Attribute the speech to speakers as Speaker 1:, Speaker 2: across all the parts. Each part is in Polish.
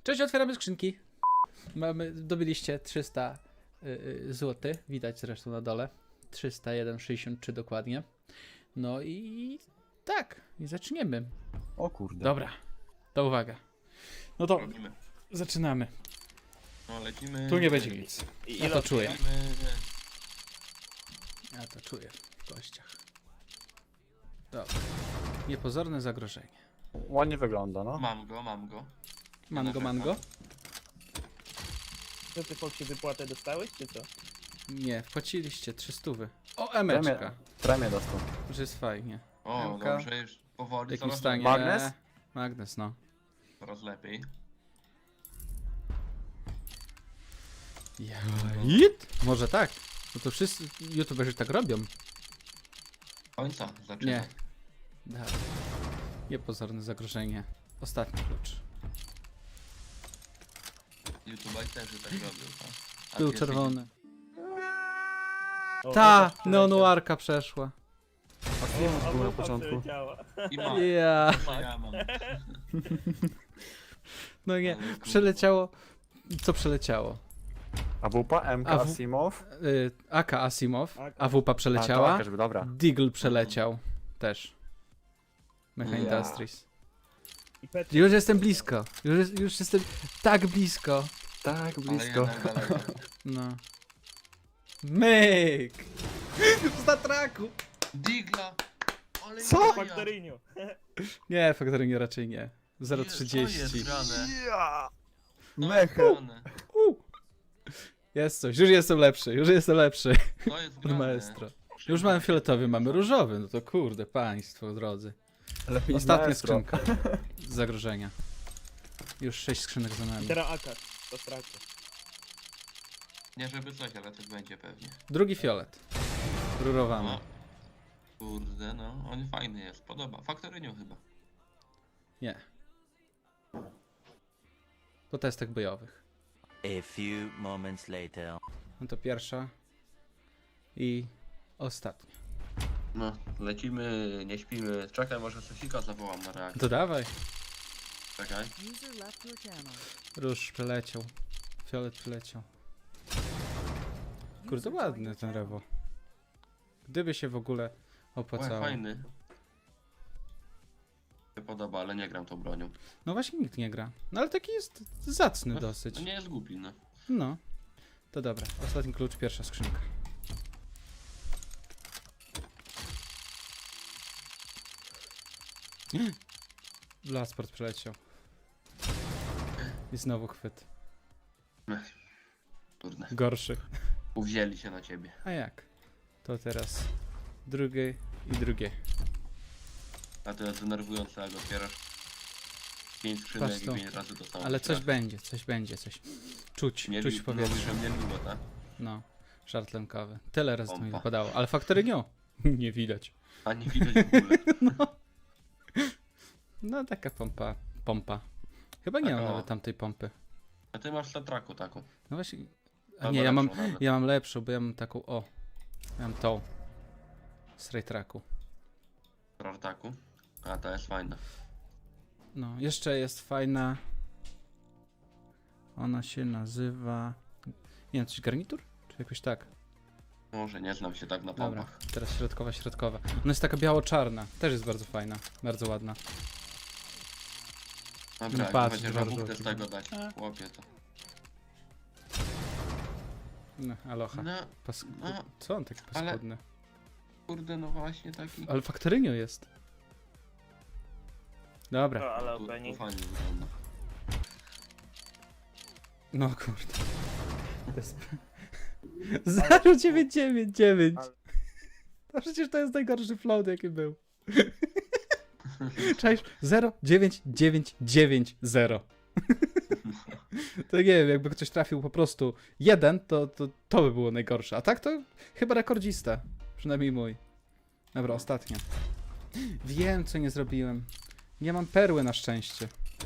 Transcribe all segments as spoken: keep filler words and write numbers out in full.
Speaker 1: Cześć, otwieramy skrzynki. Mamy, dobyliście trzysta zł, widać zresztą na dole. trzysta jeden sześćdziesiąt trzy dokładnie. No i tak, i zaczniemy.
Speaker 2: O kurde.
Speaker 1: Dobra, to uwaga. No to
Speaker 3: Robimy.
Speaker 1: zaczynamy.
Speaker 3: No lecimy.
Speaker 1: Tu nie będzie nic.
Speaker 3: I
Speaker 1: Ja to czuję.
Speaker 3: lecimy.
Speaker 1: Ja to czuję w kościach. Dobra. Niepozorne zagrożenie.
Speaker 2: Ładnie wygląda, no.
Speaker 3: Mam go, mam go.
Speaker 1: Mango, mango?
Speaker 4: Co ty, Foxy, wypłatę dostałeś, czy co?
Speaker 1: Nie, wpłaciliście trzysta. O,
Speaker 2: Premię,
Speaker 1: emeczka.
Speaker 2: premię dostał.
Speaker 1: Już jest fajnie.
Speaker 3: O,
Speaker 1: Emka.
Speaker 3: dobrze, już powoli,
Speaker 1: Jakim
Speaker 3: coraz
Speaker 1: stanie?
Speaker 3: lepiej.
Speaker 2: Magnes?
Speaker 1: Magnes, no.
Speaker 3: Coraz lepiej.
Speaker 1: Jit? Może tak. No to wszyscy youtuberzy tak robią.
Speaker 3: Końca, zaczyna.
Speaker 1: Nie. Da. Niepozorne zagrożenie. Ostatni klucz.
Speaker 3: YouTube'aj też tak robią, tak? A
Speaker 1: Był
Speaker 3: ty
Speaker 1: czerwony.
Speaker 4: O,
Speaker 1: Ta!
Speaker 4: Łukasz
Speaker 1: Neonuarka przeszła.
Speaker 4: przeleciał. O,
Speaker 2: był na
Speaker 4: Łukasz
Speaker 2: początku.
Speaker 4: przeleciała.
Speaker 3: jesteś- I ma.
Speaker 1: Ja.
Speaker 3: Ja mam.
Speaker 1: No nie.
Speaker 3: Ale kurwa.
Speaker 1: Przeleciało. Co przeleciało?
Speaker 2: A wupa, M K,
Speaker 1: A w-
Speaker 2: Asimov.
Speaker 1: Y, A K Asimov.
Speaker 4: A K.
Speaker 1: A W P
Speaker 2: A, to
Speaker 1: przeleciała.
Speaker 2: Aka, żeby dobra.
Speaker 1: Deagle przeleciał. Też. Mecha
Speaker 2: Ja.
Speaker 1: Industries.
Speaker 4: I Petr.
Speaker 1: Już jestem blisko. Już, jest- już jestem tak blisko.
Speaker 2: Tak,
Speaker 3: Ale
Speaker 2: blisko.
Speaker 3: jednak daleko.
Speaker 1: No. Myk! W zatraku!
Speaker 3: Digla! Ale
Speaker 1: Co?
Speaker 3: jaja.
Speaker 4: Factorinio.
Speaker 1: Nie, Factoringo raczej nie. zero
Speaker 3: Nie,
Speaker 1: trzydzieści.
Speaker 3: co jest grane?
Speaker 2: Ja.
Speaker 3: Co
Speaker 2: Mecha.
Speaker 3: jest grane?
Speaker 1: U. Jest coś, już jestem lepszy, już jestem lepszy.
Speaker 3: Co jest
Speaker 1: Od
Speaker 3: grane?
Speaker 1: maestro. Już mamy fioletowy, mamy różowy, no to kurde, państwo drodzy.
Speaker 2: Lepiej
Speaker 1: Ostatnia
Speaker 2: maestro.
Speaker 1: skrzynka. Z zagrożenia. Już sześć skrzynek za
Speaker 4: I
Speaker 1: nami.
Speaker 4: teraz Akar. To straci.
Speaker 3: Nie żeby coś, ale coś będzie pewnie.
Speaker 1: Drugi fiolet. Rurowany.
Speaker 3: No. Kurde, no. On fajny jest, podoba. Faktorynio chyba.
Speaker 1: Nie. Po testach bojowych.
Speaker 5: A few moments later.
Speaker 1: No to pierwsza. I ostatnia.
Speaker 3: No, lecimy, nie śpimy. Czekaj, może Sosika zawołam na reakcję.
Speaker 1: To dawaj.
Speaker 3: Czekaj.
Speaker 6: User left your channel.
Speaker 1: Róż przeleciał. Fiolet przeleciał. Kurde,
Speaker 6: User
Speaker 1: ładny
Speaker 6: joined
Speaker 1: ten
Speaker 6: your
Speaker 1: rewo. Gdyby się w ogóle
Speaker 3: Oj,
Speaker 1: opłacało.
Speaker 3: fajny. Mi się podoba, ale nie gram tą bronią.
Speaker 1: No właśnie nikt nie gra. No ale taki jest zacny
Speaker 3: No,
Speaker 1: dosyć.
Speaker 3: No nie jest głupi, no.
Speaker 1: No. To dobra. Ostatni klucz, pierwsza skrzynka. Blasport przeleciał. I znowu chwyt.
Speaker 3: Kurde.
Speaker 1: Gorszy.
Speaker 3: Uwzięli się na ciebie.
Speaker 1: A jak? To teraz drugie i drugie.
Speaker 3: A to jest denerwujące, jak otwierasz pięć skrzynek
Speaker 1: Patrz
Speaker 3: i
Speaker 1: tu.
Speaker 3: pięć razy to samo.
Speaker 1: Ale coś
Speaker 3: otwierasz.
Speaker 1: będzie, coś będzie, coś. Czuć,
Speaker 3: Nie
Speaker 1: czuć
Speaker 3: li-
Speaker 1: w powietrzu.
Speaker 3: mówisz, że mnie lubo, tak?
Speaker 1: No, żart lękowy. Tyle razy to mi
Speaker 3: Pompa.
Speaker 1: wypadało, ale faktorynio nie widać.
Speaker 3: A nie widać w ogóle.
Speaker 1: No taka pompa, pompa. Chyba nie
Speaker 3: Tak,
Speaker 1: mam
Speaker 3: o.
Speaker 1: nawet tamtej pompy.
Speaker 3: A ty masz tatraku taką.
Speaker 1: No właśnie, a
Speaker 3: Albo
Speaker 1: nie, ja mam,
Speaker 3: lepszą nawet.
Speaker 1: ja mam lepszą, bo ja mam taką, o, ja mam tą. Z raytracku.
Speaker 3: Tartaku. A ta jest fajna.
Speaker 1: No, jeszcze jest fajna. Ona się nazywa, nie wiem, coś garnitur? Czy jakoś tak?
Speaker 3: Może nie znam się tak na
Speaker 1: Dobra,
Speaker 3: pompach.
Speaker 1: teraz środkowa, środkowa. Ona jest taka biało-czarna, też jest bardzo fajna, bardzo ładna.
Speaker 3: Dobra,
Speaker 1: No
Speaker 3: jak
Speaker 1: patrz,
Speaker 3: chociaż
Speaker 1: dwa
Speaker 3: żabówkę z
Speaker 1: żółte.
Speaker 3: tego dać.
Speaker 1: A.
Speaker 3: Chłopie to.
Speaker 1: No, aloha.
Speaker 3: No,
Speaker 1: Pas...
Speaker 3: no.
Speaker 1: Co on taki
Speaker 3: ale-
Speaker 1: paskudny?
Speaker 3: kurde, no właśnie taki.
Speaker 1: Ale faktorynio jest. Dobra,
Speaker 4: To, ale
Speaker 3: Tu, tu
Speaker 4: opening.
Speaker 3: fajnie wygląda.
Speaker 1: no kurde. To jest... zero dziewięć dziewięć dziewięć.
Speaker 4: Ale-
Speaker 1: No przecież to jest najgorszy float jaki był. Cześć, zero dziewięć dziewięć dziewięć zero. To nie wiem, jakby ktoś trafił po prostu jeden, to, to to by było najgorsze. A tak to chyba rekordzista. Przynajmniej mój. Dobra, ostatnia. Wiem, co nie zrobiłem. Nie mam perły na szczęście.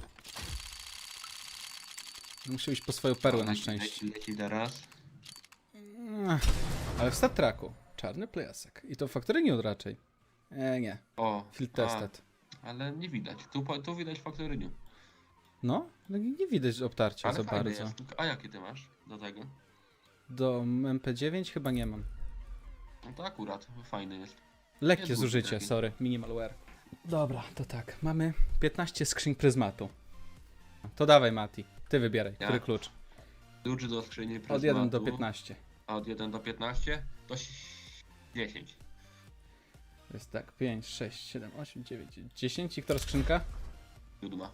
Speaker 1: Muszę iść po swoją perłę na
Speaker 3: Leci,
Speaker 1: szczęście.
Speaker 3: Leci, leci teraz.
Speaker 1: Ach, ale w Star Treku. Czarny plecak. I to faktoryniu raczej. E, nie.
Speaker 3: O,
Speaker 1: Field
Speaker 3: a,
Speaker 1: tested.
Speaker 3: ale nie widać. Tu, po- tu widać faktoryniu.
Speaker 1: No, no nie widać obtarcia
Speaker 3: Ale
Speaker 1: za
Speaker 3: fajny
Speaker 1: bardzo.
Speaker 3: jest. A jaki ty masz do tego?
Speaker 1: Do M P dziewięć chyba nie mam.
Speaker 3: No to akurat, fajny jest.
Speaker 1: Lekkie
Speaker 3: Jest głupi
Speaker 1: zużycie,
Speaker 3: taki.
Speaker 1: sorry, minimalware. Dobra, to tak, mamy piętnaście skrzyń pryzmatu. To dawaj Mati, ty wybieraj,
Speaker 3: Ja?
Speaker 1: który klucz.
Speaker 3: Klucz do skrzyni
Speaker 1: Od jeden do
Speaker 3: pryzmatu.
Speaker 1: piętnastu.
Speaker 3: A od jeden do piętnastu to s- dziesięć.
Speaker 1: Jest tak, pięć, sześć, siedem, osiem, dziewięć, dziesięć i która skrzynka?
Speaker 3: Siódma.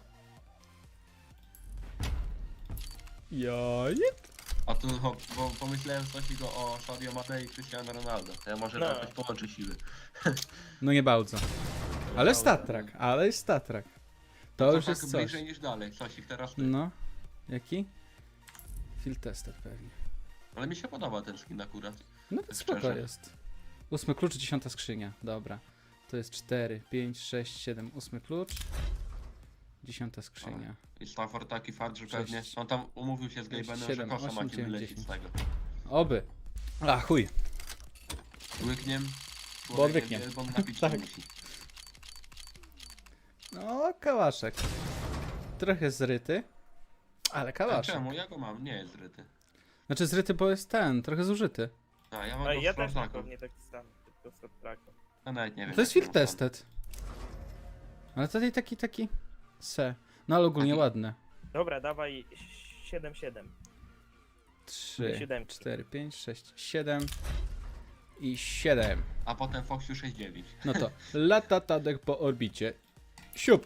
Speaker 1: Jaj.
Speaker 3: A tu ho, bo pomyślałem coś go o Sadio Mane i Cristiano Ronaldo. To ja może
Speaker 4: No.
Speaker 3: no. jakoś połączę siły.
Speaker 1: No nie bardzo. Ale statrak, ale jest statrak. To
Speaker 3: To
Speaker 1: już
Speaker 3: tak
Speaker 1: jest coś.
Speaker 3: bliżej niż dalej. Coś ich teraz ty.
Speaker 1: No. Jaki? Field tested pewnie.
Speaker 3: Ale mi się podoba ten skin akurat.
Speaker 1: No to
Speaker 3: Tak
Speaker 1: spoko
Speaker 3: szczerze.
Speaker 1: jest. Ósmy klucz, dziesiąta skrzynia. Dobra. To jest cztery, pięć, sześć, siedem, ósmy klucz. Dziesiąta skrzynia.
Speaker 3: I Stafford taki fakt, że
Speaker 1: Sześć,
Speaker 3: pewnie on tam umówił się z
Speaker 1: sześć,
Speaker 3: Gabenem, że
Speaker 1: siedem,
Speaker 3: kosza
Speaker 1: osiem,
Speaker 3: macie
Speaker 1: dziewięć,
Speaker 3: wylecieć z tego.
Speaker 1: Oby. A chuj.
Speaker 3: Łykniem.
Speaker 1: Bo odwyknie.
Speaker 3: Człowiekiem, Bo napić
Speaker 1: Tak.
Speaker 3: tak. musi.
Speaker 1: No, kałaszek. Trochę zryty. Ale
Speaker 3: A
Speaker 1: kałaszek.
Speaker 3: czemu? Ja go mam, nie jest zryty.
Speaker 1: Znaczy zryty, bo jest ten, trochę zużyty.
Speaker 3: A ja mam
Speaker 4: No
Speaker 3: go
Speaker 4: i ja
Speaker 3: z
Speaker 4: też mam
Speaker 3: Frozaku.
Speaker 4: pewnie tak samo, tylko z Sotraku.
Speaker 3: Ja nawet nie wiem.
Speaker 1: To jest
Speaker 3: jaki
Speaker 1: field
Speaker 3: on sam.
Speaker 1: tested. Ale tutaj taki, taki... Se. No ale ogólnie
Speaker 3: Taki-
Speaker 1: ładny.
Speaker 4: Dobra, dawaj siedem siedem.
Speaker 1: trzy,
Speaker 4: Siódemki.
Speaker 1: cztery, pięć, sześć, siedem i siedem.
Speaker 3: A potem Foxiu sześć dziewięć.
Speaker 1: No to lata Tadek po orbicie. Siup.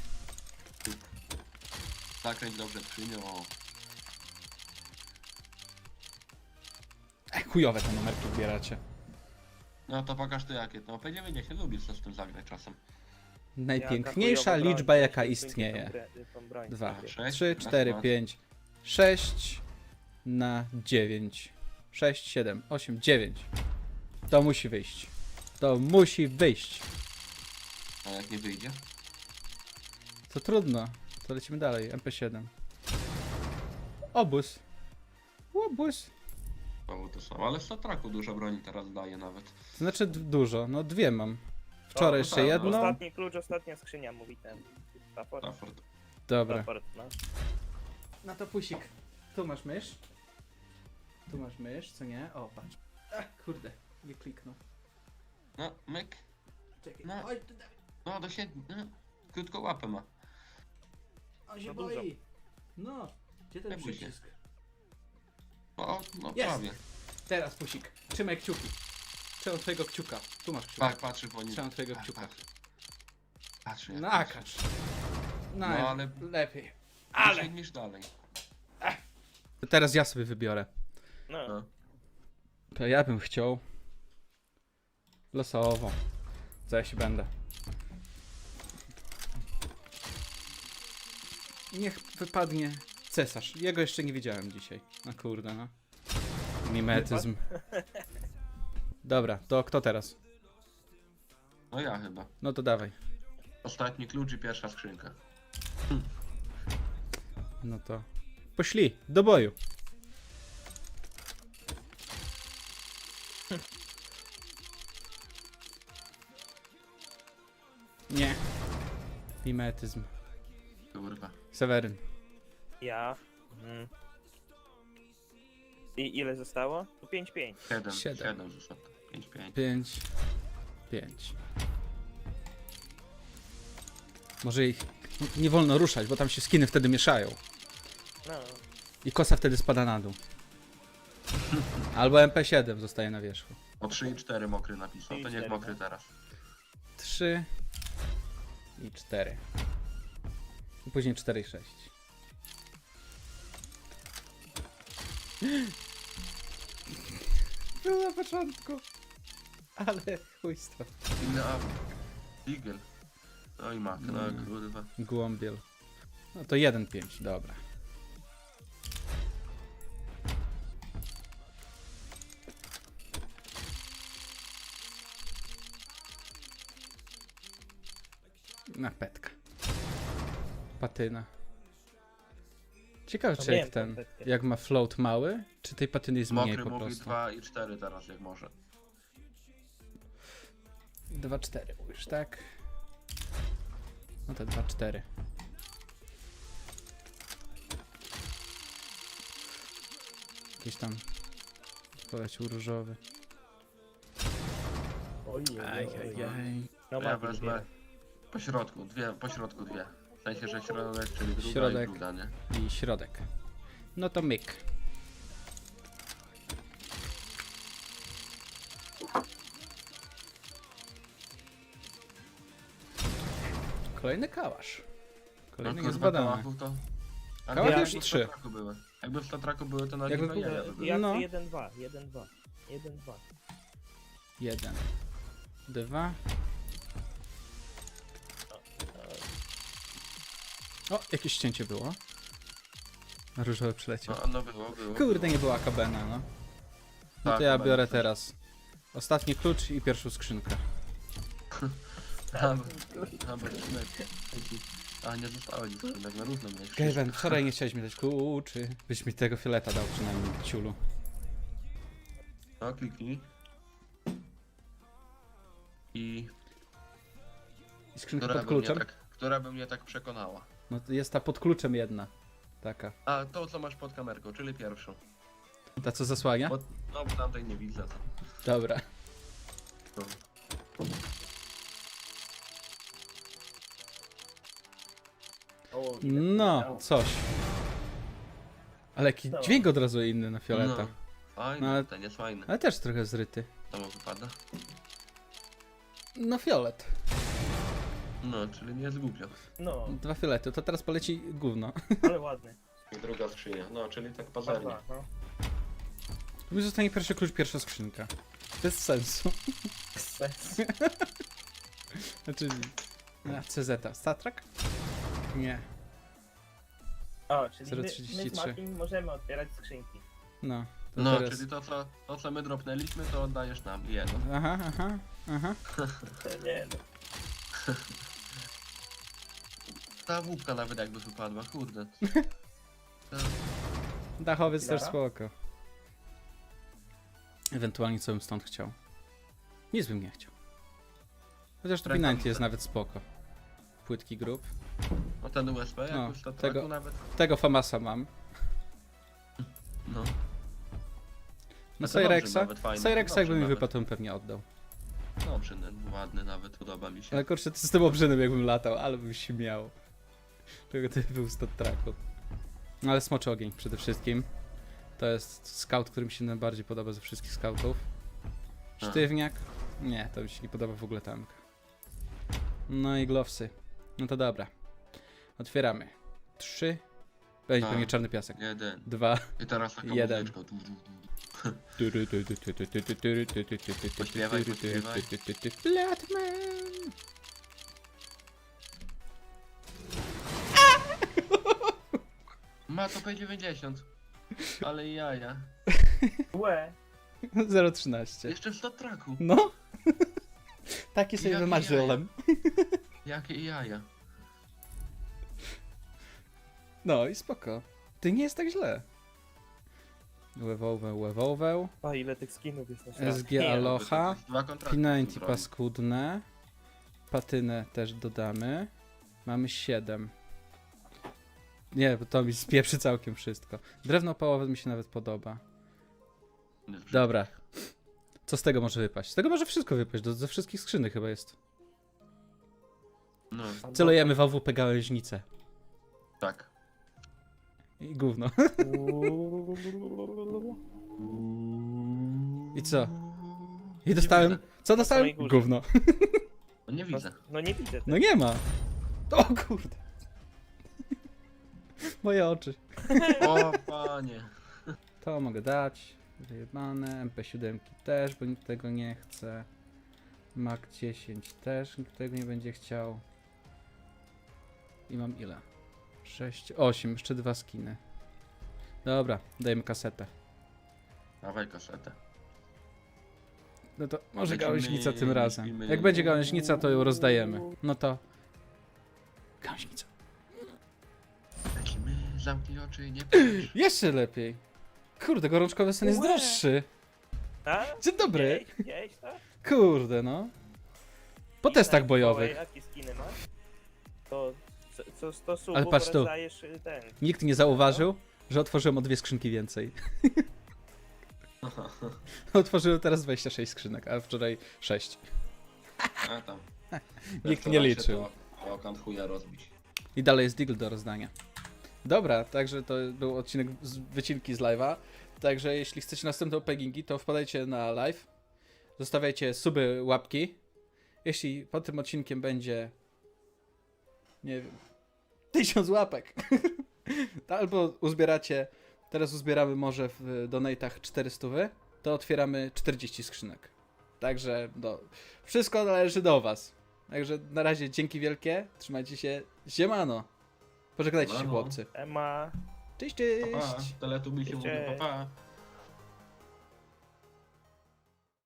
Speaker 3: Zakręć dobrze skrzynią. O.
Speaker 1: Ej, chujowe te numerki zbieracie.
Speaker 3: No to pokaż to jakie. No P dziewięćdziesiąt lubi co z tym zagrać czasem.
Speaker 1: Najpiękniejsza
Speaker 4: Jaka chujowa
Speaker 1: liczba
Speaker 4: broń,
Speaker 1: jaka
Speaker 4: weź tą
Speaker 1: istnieje.
Speaker 4: grę- tą broń
Speaker 1: Dwa,
Speaker 4: sobie.
Speaker 3: Sześć,
Speaker 1: trzy,
Speaker 3: raz,
Speaker 1: cztery,
Speaker 3: dwa.
Speaker 1: pięć, sześć na dziewięć. sześć, siedem, osiem, dziewięć. To musi wyjść. To musi wyjść.
Speaker 3: A jak nie wyjdzie?
Speaker 1: To trudno. To lecimy dalej. M P siedem. Obóz. Obóz.
Speaker 3: Znowu to samo. Ale w Sotraku dużo broni teraz daje nawet.
Speaker 1: To znaczy d- dużo. No dwie mam. Wczoraj
Speaker 3: no
Speaker 1: jeszcze
Speaker 3: tak, no.
Speaker 1: jedną.
Speaker 4: Ostatni klucz, ostatnia skrzynia, mówi ten. Stafford.
Speaker 3: Stafford.
Speaker 1: Dobra.
Speaker 4: Stafford, no.
Speaker 1: No to pusik. Tu masz mysz. Tu masz mysz, co nie? O, patrz. Ach, kurde. Nie kliknął.
Speaker 3: No, myk.
Speaker 1: Czekaj.
Speaker 3: No.
Speaker 1: Oj, tu dawaj.
Speaker 3: No do siedmiu. No. Krótko łapę ma.
Speaker 1: On się
Speaker 4: Za dużo.
Speaker 1: boi. No. Gdzie ten
Speaker 3: Nie bój się.
Speaker 1: przycisk?
Speaker 3: O, no
Speaker 1: Jest.
Speaker 3: prawie.
Speaker 1: Teraz pusik. Trzymaj kciuki. Trzymam twojego kciuka. Tu masz kciuka.
Speaker 3: Tak, patrzy po nim.
Speaker 1: Trzymam twojego
Speaker 3: Tak,
Speaker 1: kciuka.
Speaker 3: patrzy. Patrzy jak
Speaker 1: Nakaż. No,
Speaker 3: No, ale-
Speaker 1: lepiej.
Speaker 3: Ale.
Speaker 1: Ale.
Speaker 3: niż dalej.
Speaker 1: Teraz ja sobie wybiorę.
Speaker 4: No.
Speaker 3: No.
Speaker 1: To ja bym chciał losowo. Co ja się będę? Niech wypadnie cesarz. Jego jeszcze nie widziałem dzisiaj. No kurde, no. Mimetyzm. Dobra, to kto teraz?
Speaker 3: No ja chyba.
Speaker 1: No to dawaj.
Speaker 3: Ostatni klucz i pierwsza skrzynka.
Speaker 1: No to poszli, do boju. Nie. Mimetyzm.
Speaker 3: Kurwa.
Speaker 1: Seweryn.
Speaker 4: Ja. Mhm. I ile zostało? To pięć pięć.
Speaker 3: Siedem.
Speaker 1: Siedem.
Speaker 3: Siedem zostało. Pięć, pięć.
Speaker 1: Pięć. Pięć. Może ich nie wolno ruszać, bo tam się skiny wtedy mieszają.
Speaker 4: No.
Speaker 1: I kosa wtedy spada na dół. Albo M P siedem zostaje na wierzchu.
Speaker 3: O trzy i cztery mokry napisał.
Speaker 4: trzy i
Speaker 3: To niech
Speaker 4: cztery,
Speaker 3: mokry
Speaker 4: no.
Speaker 3: teraz.
Speaker 1: Trzy i cztery. I później cztery i sześć. Był na początku. Ale chujstwo.
Speaker 3: Inny awk. Eagle. No i mak, no
Speaker 1: Mm.
Speaker 3: kurwa.
Speaker 1: Głąbiel. No to jeden pięć, dobra. Na petka. Patyna. Ciekawe,
Speaker 4: No
Speaker 1: czy
Speaker 4: wiem,
Speaker 1: jak ten,
Speaker 4: tą petkę.
Speaker 1: jak ma float mały, czy tej patyny jest mniej
Speaker 3: Mokry
Speaker 1: po
Speaker 3: mówi
Speaker 1: prostu.
Speaker 3: dwa i cztery teraz jak może.
Speaker 1: dwa cztery mówisz, tak? No to dwa cztery. Jakiś tam polecił różowy.
Speaker 4: Oj, oj, oj, oj.
Speaker 1: Ajajaj.
Speaker 4: No
Speaker 3: Ja
Speaker 4: ma
Speaker 3: wezmę po środku, dwie, po środku dwie. W sensie, że środek, czyli druga
Speaker 1: Środek.
Speaker 3: i druga, nie?
Speaker 1: I środek. No to myk. Kolejny kałasz. Kolejny
Speaker 3: kurwa,
Speaker 1: niezbadany.
Speaker 3: kałachów to... A
Speaker 1: Kałachy
Speaker 3: jakby
Speaker 1: już
Speaker 3: w
Speaker 1: trzy.
Speaker 3: statraku były. Jakby w statraku były, to na
Speaker 1: Jakby
Speaker 3: Jakby
Speaker 1: były-
Speaker 3: jaja by były.
Speaker 4: Jak
Speaker 1: No.
Speaker 4: jeden dwa, jeden dwa, jeden dwa.
Speaker 1: Jeden. Dwa. O, jakieś ścięcie było. Różowy przyleciał.
Speaker 3: No, no było, było.
Speaker 1: Kurde, nie była kabena, no. No to
Speaker 3: Tak,
Speaker 1: ja
Speaker 3: kabena
Speaker 1: biorę
Speaker 3: też.
Speaker 1: teraz. Ostatni klucz i pierwszą skrzynkę.
Speaker 3: A, bo- a, bo skrzyneczki. A, nie zostało nic skrzynek, na równo miałeś.
Speaker 1: Gaben, wczoraj nie chciałeś mi dać kluczy. Byś mi tego fioleta dał przynajmniej, ciulu.
Speaker 3: No, kliknij. I...
Speaker 1: I skrzynka
Speaker 3: Która
Speaker 1: pod
Speaker 3: by, mnie
Speaker 1: kluczem?
Speaker 3: tak, która by mnie tak przekonała.
Speaker 1: No to jest ta pod kluczem jedna. Taka.
Speaker 3: A, to co masz pod kamerką, czyli pierwszą.
Speaker 1: Ta co zasłania?
Speaker 3: Bo, no, bo tamtej nie widzę. To.
Speaker 1: Dobra.
Speaker 3: No.
Speaker 4: O,
Speaker 1: No, coś. Ale jaki
Speaker 4: No.
Speaker 1: dźwięk od razu inny na fioleta.
Speaker 3: No, fajny,
Speaker 1: No, ale-
Speaker 3: ten jest fajny.
Speaker 1: Ale też trochę zryty.
Speaker 3: To mu wypada.
Speaker 1: No fiolet.
Speaker 3: No, czyli nie jest głupio.
Speaker 4: No,
Speaker 1: Dwa fiolety, to teraz poleci gówno.
Speaker 4: ale ładny.
Speaker 3: I druga skrzynia, no, czyli tak
Speaker 4: Dwa,
Speaker 3: pazernie.
Speaker 4: dwa, no.
Speaker 1: Mi zostanie pierwszy klucz, pierwsza skrzynka. Bez sensu.
Speaker 4: Sens.
Speaker 1: Znaczy... A, C Z. Statrak? Nie.
Speaker 4: O, czyli
Speaker 1: zero
Speaker 4: my,
Speaker 1: trzydzieści
Speaker 4: my z
Speaker 1: trzy.
Speaker 4: Matim możemy otwierać skrzynki.
Speaker 1: No. To
Speaker 3: No,
Speaker 1: teraz...
Speaker 3: czyli to co, to co my dropnęliśmy, to oddajesz nam jedno.
Speaker 1: Aha, aha, aha.
Speaker 4: To nie no.
Speaker 3: Ta łupka nawet jakby wypadła, kurde. To,
Speaker 1: Dachowiec też
Speaker 4: Lara?
Speaker 1: spoko. Ewentualnie co bym stąd chciał. Nic bym nie chciał. Chociaż to
Speaker 3: Rękawice.
Speaker 1: Pinanty jest nawet spoko. Płytki grup.
Speaker 3: no ten U S B, jak
Speaker 1: No,
Speaker 3: już to
Speaker 1: tego-
Speaker 3: nawet.
Speaker 1: Tego Famasa mam.
Speaker 3: No.
Speaker 1: No
Speaker 3: to dobrze,
Speaker 1: Cyrexa.
Speaker 3: nawet fajny,
Speaker 1: Cyrexa
Speaker 3: dobrze
Speaker 1: jakby mi
Speaker 3: nawet.
Speaker 1: wypadł, to bym pewnie oddał.
Speaker 3: Dobrze, no, ładny nawet, podoba mi się.
Speaker 1: Ale kurczę, to z tym obrzynem jakbym latał, ale bym się miał. Czego ty był z traku. No ale smoczy ogień przede wszystkim. To jest scout, który mi się najbardziej podoba ze wszystkich scoutów.
Speaker 3: A.
Speaker 1: Sztywniak? Nie, to mi się nie podoba w ogóle tank. No i glowsy. No to dobra. Otwieramy. Trzy. Będzie
Speaker 3: A.
Speaker 1: pewnie czarny piasek.
Speaker 3: Jeden.
Speaker 1: Dwa.
Speaker 3: I teraz taka
Speaker 1: Jeden.
Speaker 3: muzyczka. Du, du, du. Pośpiewaj, pośpiewaj.
Speaker 1: Flatman.
Speaker 3: Ma to P dziewięćdziesiąt. Ale jaja.
Speaker 4: Łe.
Speaker 1: zero trzynaście.
Speaker 3: Jeszcze w stat tracku.
Speaker 1: No. Takie sobie
Speaker 3: Jakie
Speaker 1: wymarzyłem.
Speaker 3: Jakie jaja.
Speaker 1: No i spoko. Ty nie jest tak źle. Łewołę, łewołę.
Speaker 4: A ile tych skinów jest na świecie.
Speaker 1: S G Aloha.
Speaker 3: Dwa kontrakty.
Speaker 1: Pinanty
Speaker 3: zrobił.
Speaker 1: paskudne. Patynę też dodamy. Mamy siedem. Nie, bo to mi spieprzy całkiem wszystko. Drewno opałowe mi się nawet podoba. Dobra. Co z tego może wypaść? Z tego może wszystko wypaść. Do, ze wszystkich skrzynek chyba jest.
Speaker 3: No,
Speaker 1: Celujemy w A W P gałęźnicę.
Speaker 3: tak.
Speaker 1: I gówno. I co? I dostałem...
Speaker 3: widzę.
Speaker 1: Co dostałem?
Speaker 4: samej górze.
Speaker 1: Gówno.
Speaker 3: No nie widzę.
Speaker 4: No nie widzę.
Speaker 1: No nie ma. O kurde. Moje oczy.
Speaker 3: O panie.
Speaker 1: To mogę dać. Wyjebane. M P siedem też, bo nikt tego nie chce. Mac dziesięć też, nikt tego nie będzie chciał. I mam ile? sześć, osiem, jeszcze dwa skiny. Dobra, dajemy kasetę.
Speaker 3: Dawaj kasetę.
Speaker 1: No to może
Speaker 3: Lecimy,
Speaker 1: gałęźnica tym razem.
Speaker 3: lecimy.
Speaker 1: Jak będzie gałęźnica, to ją rozdajemy. No to... Gałęźnica.
Speaker 3: Lecimy, zamknij oczy i nie patrz.
Speaker 1: Jeszcze lepiej. Kurde, gorączkowy sen jest
Speaker 4: Łe.
Speaker 1: droższy.
Speaker 4: A?
Speaker 1: Dzień dobry.
Speaker 4: Widziałeś, widziałeś to?
Speaker 1: Kurde, no. Po
Speaker 4: I
Speaker 1: testach
Speaker 4: tak,
Speaker 1: bojowych.
Speaker 4: Mikołaj, jakie skiny masz? To co, co sto subów
Speaker 1: Ale patrz tu.
Speaker 4: rozdajesz y, ten.
Speaker 1: Nikt nie zauważył, że otworzyłem o dwie skrzynki więcej. Otworzyłem teraz dwadzieścia sześć skrzynek, a wczoraj sześć.
Speaker 3: A tam.
Speaker 1: Nikt nie liczył.
Speaker 3: To okant chuja rozbić.
Speaker 1: I dalej jest deagle do rozdania. Dobra, także to był odcinek z wycinki z live'a. Także jeśli chcecie następne openingi, to wpadajcie na live. Zostawiajcie suby, łapki. Jeśli pod tym odcinkiem będzie, nie wiem, tysiąc łapek, to albo uzbieracie, teraz uzbieramy może w donatach czterysta, to otwieramy czterdzieści skrzynek. Także no, wszystko należy do was. Także na razie dzięki wielkie, trzymajcie się, siemano. Pożegnajcie się
Speaker 3: Siemano.
Speaker 1: chłopcy.
Speaker 4: Ema.
Speaker 1: Cześć,
Speaker 3: Pa, pa.
Speaker 1: cześć.
Speaker 3: Teletubi się
Speaker 4: Cześć.
Speaker 3: mówi, pa, pa.